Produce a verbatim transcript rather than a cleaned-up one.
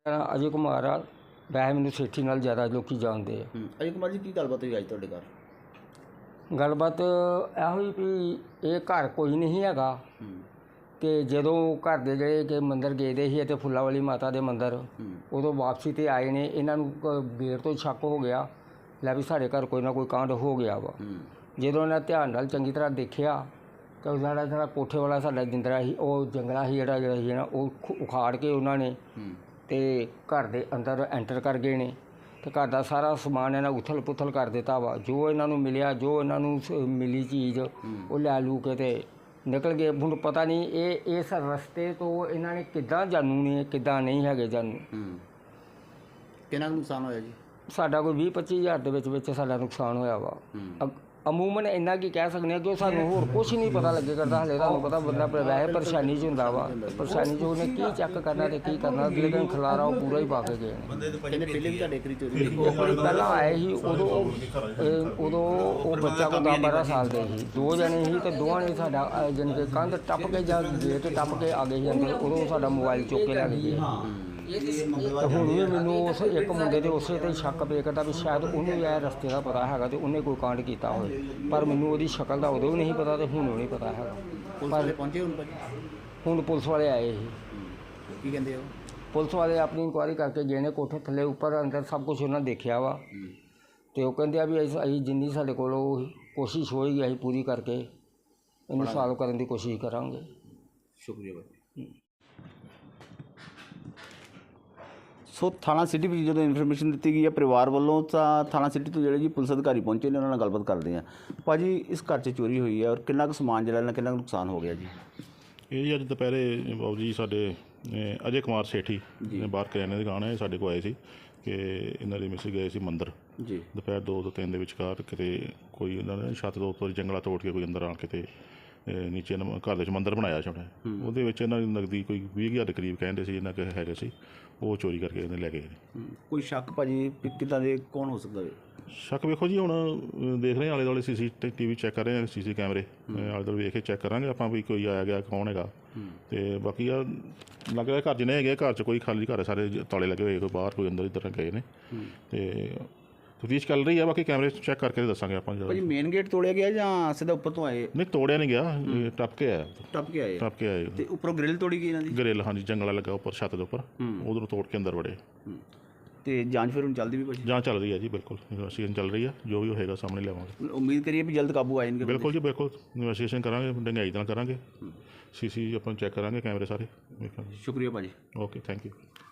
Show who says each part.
Speaker 1: ਮੇਰਾ ਅਜੇ ਕੁਮਾਰ ਆ। ਵੈਸੇ ਮੈਨੂੰ ਸੇਠੀ ਨਾਲ ਜ਼ਿਆਦਾ ਲੋਕੀ ਜਾਣਦੇ ਆ।
Speaker 2: ਅਜੇ ਕੁਮਾਰ ਜੀ ਕੀ ਗੱਲਬਾਤ ਹੋਈ ਅੱਜ ਤੁਹਾਡੇ ਘਰ?
Speaker 1: ਗੱਲਬਾਤ ਇਹੋ ਹੀ ਵੀ ਇਹ ਘਰ ਕੋਈ ਨਹੀਂ ਹੈਗਾ ਅਤੇ ਜਦੋਂ ਘਰ ਦੇ ਜਿਹੜੇ ਕਿ ਮੰਦਰ ਗਏ ਦੇ ਸੀ ਅਤੇ ਫੁੱਲਾਂ ਵਾਲੀ ਮਾਤਾ ਦੇ ਮੰਦਰ, ਉਦੋਂ ਵਾਪਸੀ 'ਤੇ ਆਏ ਨੇ। ਇਹਨਾਂ ਨੂੰ ਬੇਰ ਤੋਂ ਸ਼ੱਕ ਹੋ ਗਿਆ ਲੈ ਵੀ ਸਾਡੇ ਘਰ ਕੋਈ ਨਾ ਕੋਈ ਕਾਂਡ ਹੋ ਗਿਆ ਵਾ। ਜਦੋਂ ਇਹਨਾਂ ਧਿਆਨ ਨਾਲ ਚੰਗੀ ਤਰ੍ਹਾਂ ਦੇਖਿਆ ਤਾਂ ਸਾਡਾ ਜਿਹੜਾ ਕੋਠੇ ਵਾਲਾ ਸਾਡਾ ਜਿੰਦਰਾ ਸੀ, ਉਹ ਜੰਗਲਾ ਸੀ ਜਿਹੜਾ ਜਿਹੜਾ ਸੀ ਨਾ, ਉਹ ਉਖਾੜ ਕੇ ਉਹਨਾਂ ਨੇ ਅਤੇ ਘਰ ਦੇ ਅੰਦਰ ਐਂਟਰ ਕਰ ਗਏ ਨੇ ਅਤੇ ਘਰ ਦਾ ਸਾਰਾ ਸਮਾਨ ਇਹਨਾਂ ਉਥਲ ਪੁਥਲ ਕਰ ਦਿੱਤਾ ਵਾ। ਜੋ ਇਹਨਾਂ ਨੂੰ ਮਿਲਿਆ, ਜੋ ਇਹਨਾਂ ਨੂੰ ਮਿਲੀ ਚੀਜ਼, ਉਹ ਲੈ ਲੂ ਕੇ ਅਤੇ ਨਿਕਲ ਗਏ। ਹੁਣ ਪਤਾ ਨਹੀਂ ਇਹ ਇਸ ਰਸਤੇ ਤੋਂ ਇਹਨਾਂ ਨੇ ਕਿੱਦਾਂ ਜਾਣੂ ਨੇ, ਕਿੱਦਾਂ ਨਹੀਂ ਹੈਗੇ ਜਾਣੂ।
Speaker 2: ਕਿੰਨਾ ਕੁ ਨੁਕਸਾਨ ਹੋਇਆ ਜੀ?
Speaker 1: ਸਾਡਾ ਕੋਈ ਵੀਹ ਪੱਚੀ ਹਜ਼ਾਰ ਦੇ ਵਿੱਚ ਵਿੱਚ ਸਾਡਾ ਨੁਕਸਾਨ ਹੋਇਆ ਵਾ। ਅਮੂਮਨ ਇੰਨਾ ਕੀ ਕਹਿ ਸਕਦੇ ਹਾਂ ਕਿ ਸਾਨੂੰ ਹੋਰ ਕੁਛ ਨਹੀਂ ਪਤਾ ਲੱਗੇ ਕਰਦਾ। ਹਾਲੇ ਤੁਹਾਨੂੰ ਪਤਾ ਬੰਦਾ ਵੈਸੇ ਪਰੇਸ਼ਾਨੀ 'ਚ ਹੁੰਦਾ ਵਾ, ਪਰੇਸ਼ਾਨੀ 'ਚ ਉਹਨੇ ਕੀ ਚੈੱਕ ਕਰਨਾ ਅਤੇ ਕੀ ਕਰਨਾ। ਅਗਲੇ ਦਿਨ ਖਿਲਾਰਾ ਉਹ ਪੂਰਾ ਹੀ ਪਾ ਕੇ ਗਏ ਨੇ।
Speaker 2: ਪਹਿਲੇ ਵੀ ਤੁਹਾਡੇ ਕਰੀ ਚੋਰੀ
Speaker 1: ਪਹਿਲਾਂ ਆਏ ਸੀ ਉਦੋਂ ਉਦੋਂ ਉਹ ਬੱਚਾ ਕੋਈ ਦਸ ਬਾਰਾਂ ਸਾਲ ਦੇ ਸੀ, ਦੋ ਜਣੇ ਸੀ ਅਤੇ ਦੋਵਾਂ ਨੇ ਸਾਡਾ ਜਾਣੀ ਕਿ ਕੰਧ ਟੱਪ ਕੇ ਜਾਂ ਗੇਟ ਟੱਪ ਕੇ ਆ ਗਏ ਸੀ ਅੰਦਰ। ਉਦੋਂ ਸਾਡਾ ਮੋਬਾਈਲ ਚੁੱਕ ਕੇ ਲੈ ਗਏ। ਅਤੇ ਹੁਣ ਵੀ ਮੈਨੂੰ ਉਸ ਇੱਕ ਮੁੰਡੇ ਦੇ ਉਸੇ 'ਤੇ ਸ਼ੱਕ ਪਏ ਕਰਦਾ ਵੀ ਸ਼ਾਇਦ ਉਹਨੂੰ ਇਹ ਰਸਤੇ ਦਾ ਪਤਾ ਹੈਗਾ ਅਤੇ ਉਹਨੇ ਕੋਈ ਕਾਂਡ ਕੀਤਾ ਹੋਵੇ, ਪਰ ਮੈਨੂੰ ਉਹਦੀ ਸ਼ਕਲ ਦਾ ਉਦੋਂ ਵੀ ਨਹੀਂ ਪਤਾ ਅਤੇ ਹੁਣ ਨਹੀਂ ਪਤਾ ਹੈਗਾ।
Speaker 2: ਪਰ ਪਹੁੰਚੇ ਹੁਣ ਭਾਜੀ?
Speaker 1: ਹੁਣ ਪੁਲਿਸ ਵਾਲੇ ਆਏ ਸੀ।
Speaker 2: ਕੀ ਕਹਿੰਦੇ ਹੋ?
Speaker 1: ਪੁਲਿਸ ਵਾਲੇ ਆਪਣੀ ਇਨਕੁਆਇਰੀ ਕਰਕੇ ਗਏ ਨੇ, ਕੋਠੇ ਥੱਲੇ ਉੱਪਰ ਅੰਦਰ ਸਭ ਕੁਛ ਉਹਨਾਂ ਦੇਖਿਆ ਵਾ ਅਤੇ ਉਹ ਕਹਿੰਦੇ ਆ ਵੀ ਅਸੀਂ ਅਸੀਂ ਜਿੰਨੀ ਸਾਡੇ ਕੋਲੋਂ ਕੋਸ਼ਿਸ਼ ਹੋਏਗੀ ਅਸੀਂ ਪੂਰੀ ਕਰਕੇ ਇਹਨੂੰ ਸਾਲਵ ਕਰਨ ਦੀ ਕੋਸ਼ਿਸ਼ ਕਰਾਂਗੇ।
Speaker 2: ਸ਼ੁਕਰੀਆ ਭਾਜੀ। ਸੋ ਥਾਣਾ ਸਿਟੀ ਵਿੱਚ ਜਦੋਂ ਇਨਫੋਰਮੇਸ਼ਨ ਦਿੱਤੀ ਗਈ ਹੈ ਪਰਿਵਾਰ ਵੱਲੋਂ, ਤਾਂ ਥਾਣਾ ਸਿਟੀ ਤੋਂ ਜਿਹੜੇ ਜੀ ਪੁਲਿਸ ਅਧਿਕਾਰੀ ਪਹੁੰਚੇ ਨੇ, ਉਹਨਾਂ ਨਾਲ ਗੱਲਬਾਤ ਕਰਦੇ ਹਾਂ। ਭਾਜੀ ਇਸ ਘਰ 'ਚ ਚੋਰੀ ਹੋਈ ਹੈ ਔਰ ਕਿੰਨਾ ਕੁ ਸਮਾਨ ਜਿਹੜਾ ਇਹਨਾਂ ਕਿੰਨਾ ਕੁ ਨੁਕਸਾਨ ਹੋ ਗਿਆ ਜੀ?
Speaker 3: ਇਹ ਜੀ ਅੱਜ ਦੁਪਹਿਰੇ ਬਾਬੂ ਜੀ ਸਾਡੇ ਅਜੇ ਕੁਮਾਰ ਸੇਠੀ ਬਾਹਰ ਕਰਿਆਨੇ ਦੀ ਦੁਕਾਨ ਹੈ, ਸਾਡੇ ਕੋਲ ਆਏ ਸੀ ਕਿ ਇਹਨਾਂ ਦੇ ਮਿਸ ਗਏ ਸੀ ਮੰਦਰ ਜੀ ਦੁਪਹਿਰ ਦੋ ਤੋਂ ਤਿੰਨ ਦੇ ਵਿਚਕਾਰ। ਕਿਤੇ ਕੋਈ ਉਹਨਾਂ ਨੇ ਛੱਤ ਤੋਂ ਉੱਪਰ ਜੰਗਲਾ ਤੋੜ ਕੇ ਕੋਈ ਅੰਦਰ ਆ ਕੇ ਤੇ ਨੀਚੇ ਘਰ ਦੇ ਵਿੱਚ ਮੰਦਰ ਬਣਾਇਆ ਛੋਟਾ। ਉਹਦੇ ਵਿੱਚ ਇਹਨਾਂ ਦੀ ਨਕਦੀ ਕੋਈ ਵੀਹ ਹਜ਼ਾਰ ਦੇ ਕਰੀਬ ਕਹਿੰਦੇ ਸੀ ਇਹਨਾਂ ਕੋਲ ਹੈਗੇ ਸੀ, ਉਹ ਚੋਰੀ ਕਰਕੇ ਇਹਨੇ ਲੈ ਗਏ ਨੇ।
Speaker 2: ਕੋਈ ਸ਼ੱਕ ਭਾਜੀ ਕਿੱਦਾਂ ਦੇ ਕੌਣ ਹੋ ਸਕਦਾ ਹੈ?
Speaker 3: ਸ਼ੱਕ ਵੇਖੋ ਜੀ, ਹੁਣ ਦੇਖ ਰਹੇ ਆਲੇ ਦੁਆਲੇ ਸੀ ਸੀ ਟੀ ਵੀ ਚੈੱਕ ਕਰ ਰਹੇ ਹਾਂ, ਸੀ ਸੀ ਕੈਮਰੇ ਆਲੇ ਦੁਆਲੇ ਵੇਖ ਕੇ ਚੈੱਕ ਕਰਾਂਗੇ ਆਪਾਂ ਵੀ ਕੋਈ ਆਇਆ ਗਿਆ ਕੌਣ ਹੈਗਾ। ਅਤੇ ਬਾਕੀ ਆ ਲੱਗ ਰਿਹਾ ਘਰ ਜਿੰਨੇ ਹੈਗੇ ਘਰ 'ਚ ਕੋਈ ਖਾਲੀ ਘਰ ਸਾਰੇ ਤਾਲੇ ਲੱਗੇ ਹੋਏ, ਕੋਈ ਬਾਹਰ ਕੋਈ ਅੰਦਰ ਇੱਧਰ ਗਏ ਨੇ ਅਤੇ ਤਫਤੀਸ਼ ਚੱਲ ਰਹੀ ਆ। ਬਾਕੀ ਕੈਮਰੇ ਚੈੱਕ ਕਰਕੇ ਦੱਸਾਂਗੇ ਆਪਾਂ।
Speaker 2: ਭਾਜੀ ਮੇਨ ਗੇਟ ਤੋੜਿਆ ਗਿਆ ਜਾਂ ਸਿੱਧਾ ਉੱਪਰ ਤੋਂ ਆਏ?
Speaker 3: ਨਹੀਂ ਤੋੜਿਆ ਨਹੀਂ ਗਿਆ, ਟੱਪ ਕੇ ਆਇਆ।
Speaker 2: ਟੱਪ ਕੇ ਆਏ?
Speaker 3: ਟੱਪ ਕੇ ਆਏ
Speaker 2: ਅਤੇ ਉੱਪਰੋਂ ਗ੍ਰਿਲ ਤੋੜੀ ਗਈ ਇਹਨਾਂ ਦੀ?
Speaker 3: ਗ੍ਰਿਲ, ਹਾਂਜੀ, ਜੰਗਲਾ ਲੱਗਾ ਉੱਪਰ ਛੱਤ ਦੇ ਉੱਪਰ, ਉਧਰੋਂ ਤੋੜ ਕੇ ਅੰਦਰ ਵੜੇ।
Speaker 2: ਅਤੇ ਜਾਂਚ ਫਿਰ ਹੁਣ ਚੱਲਦੀ ਵੀ ਭਾਜੀ?
Speaker 3: ਜਾਂਚ ਚੱਲ ਰਹੀ ਹੈ ਜੀ, ਬਿਲਕੁਲ ਇਨਵੈਸਟੀਗੇਸ਼ਨ ਚੱਲ ਰਹੀ ਹੈ, ਜੋ ਵੀ ਹੋਏਗਾ ਸਾਹਮਣੇ ਲਿਆਵਾਂਗੇ।
Speaker 2: ਉਮੀਦ ਕਰੀਏ ਵੀ ਜਲਦ ਕਾਬੂ ਆ ਜਾਣਗੇ?
Speaker 3: ਬਿਲਕੁਲ ਜੀ, ਬਿਲਕੁਲ ਇਨਵੈਸਟੀਗੇਸ਼ਨ ਕਰਾਂਗੇ, ਡੰਗਾਈ ਨਾਲ ਕਰਾਂਗੇ, ਸੀ ਸੀ ਆਪਾਂ ਚੈੱਕ ਕਰਾਂਗੇ ਕੈਮਰੇ ਸਾਰੇ।
Speaker 2: ਸ਼ੁਕਰੀਆ ਭਾਜੀ।
Speaker 3: Okay, thank you.